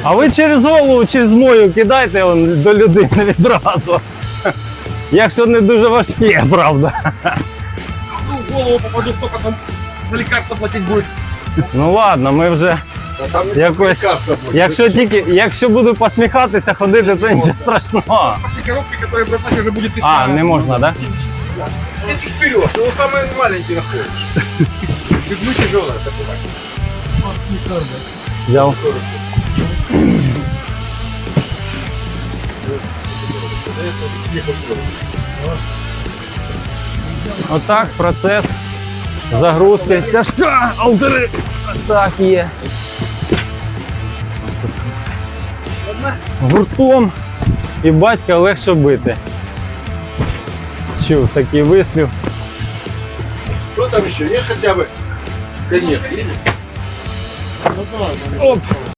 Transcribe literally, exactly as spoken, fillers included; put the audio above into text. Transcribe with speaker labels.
Speaker 1: А ви через голову чи змою кидайте он, до людини відразу. Якщо не дуже важке, правда.
Speaker 2: Ну, в голову попаду, хто потім за лікарство платити буде.
Speaker 1: Ну ладно, ми вже якось. Якщо тільки, якщо буду посміхатися, ходити, то нічого страшного.
Speaker 2: Пошли коробки, которые бросать уже будет тысяча.
Speaker 1: А, не можна, так?
Speaker 3: Ты их берешь, его самый маленький находишь. Люблю тяжелое такое.
Speaker 1: Взяв. Отак процес загрузки. Тяжка, алтери. Так є. Гуртом і батька легше бити. Чув такий вислів.
Speaker 3: Что там еще? Нет хотя бы конец.
Speaker 1: Оп!